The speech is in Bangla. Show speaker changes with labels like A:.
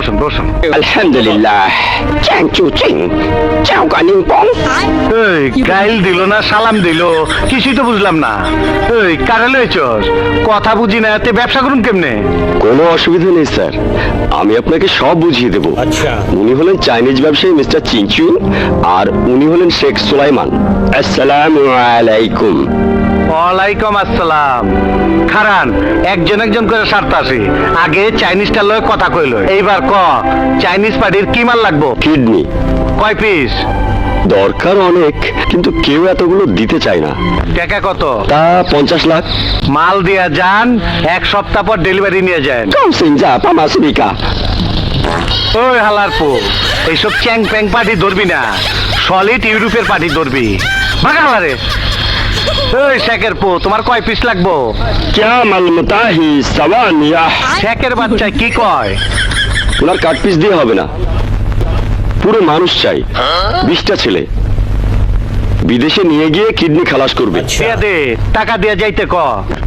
A: বসুন।
B: আলহামদুলিল্লাহ। চ্যাং চু চিং চাও কানিং পং।
A: এই গাইল দিল না সালাম দিল, কিছুই তো বুঝলাম না। এই কারে লইছস? কথা বুঝি না, তে ব্যবসা করুন কেমনে?
B: কোনো অসুবিধা নেই স্যার, আমি আপনাকে সব বুঝিয়ে দেব।
A: আচ্ছা।
B: উনি হলেন চাইনিজ ব্যবসায়ী মিস্টার চিংচু, আর উনি হলেন শেখ সুলাইমান। আসসালামু আলাইকুম।
A: ওয়ালাইকুম আসসালাম। খারান, একজন একজন করে সারতে আসি। আগে চাইনিজটা লয় কথা কইল, এইবার ক চাইনিজ পার্টির কি মাল লাগবো?
B: কিডনি
A: কয় পিস?
B: দরকার অনেক, কিন্তু কেউ এতগুলো দিতে চায় না।
A: টাকা কত?
B: তা 50 লাখ।
A: মাল দিয়া যান, এক সপ্তাহ পর ডেলিভারি নিয়ে যান।
B: কৌসিংজা পামাসিকা।
A: ওই হালার পো, এইসব চ্যাং প্যাং পার্টি ধরবি না, সলিড ইউরোপের পার্টি ধরবি। ভাগা হালারে। ওই শেখের পো, তোমার কয় পিস লাগবো?
B: ক্যা মালমতাহি সাওয়ানিয়া।
A: শেখের বাচ্চায় কি কয়?
B: ওনার কাট পিস দিয়ে হবে না, পুরো মানুষ চাই। 20টা ছেলে বিদেশে নিয়ে গিয়ে কিডনি খালাস করবে।
A: দিয়া দে, টাকা দিয়া যাইতে ক।